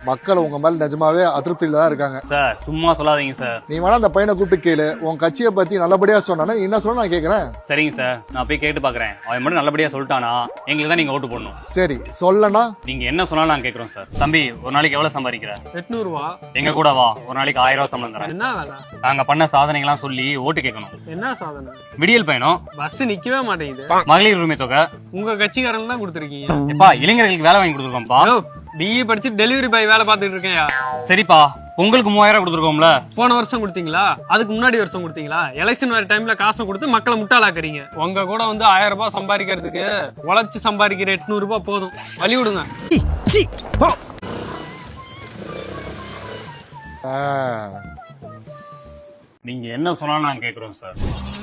மக்கள் உங்க மேல நிஜமாவே அதிருப்தியில தான் இருக்காங்க. சார் சும்மா சொல்லாதீங்க சார். நீ வேணா அந்த பையனை கூப்பிட்டு கேளு, உன் கட்சியை பத்தி நல்லபடியா சொன்னானே என்ன சொல்ல நான் கேக்குறேன். சரிங்க சார், நான் போய் கேட்டு பாக்குறேன். அவன் மட்டும் நல்லபடியா சொல்லிட்டானா எங்களுக்கு தான் நீங்க ஓட்டு போடணும். சரி சொல்லனா நீங்க என்ன சொன்னாலும் நான் கேக்குறோம் சார். தம்பி ஒரு நாளைக்கு எவ்வளவு சம்பாதிக்கிற? 800 ரூபா. எங்க கூட வா, ஒரு நாளைக்கு 1000 ரூபாய் சம்பளம் தரேன். என்ன வேலை? நாங்க பண்ண சாதனைகள்லாம் சொல்லி ஓட்டு கேட்கணும். என்ன சாதனை? விடியல் பயணம், பஸ் நிக்கவே மாட்டேங்குது. மகளிர் உரிமை தொகை. உங்க கட்சிக்காரன் தான் கொடுத்துருக்கீங்க. எப்பா இளைஞர்களுக்கு வேலை வாங்கி கொடுத்துருக்கோம்ப்பா. பிஇ படிச்சு டெலிவரி பாய் வேலை பார்த்துட்டு இருக்கேன். சரிப்பா, உங்களுக்கு 3000 கொடுத்துருக்கோம்ல. போன வருஷம் கொடுத்தீங்களா? அதுக்கு முன்னாடி வருஷம் கொடுத்தீங்களா? எலெக்ஷன் வர டைம்ல காசை கொடுத்து மக்களை முட்டாளாக்குறீங்க. உங்க கூட வந்து 1000 ரூபாய் சம்பாதிக்கிறதுக்கு உழைச்சு சம்பாதிக்கிற 800 ரூபாய் போதும். வழி விடுங்க. நீங்க என்ன சொன்னாலும் நான் கேக்குறோம் சார்.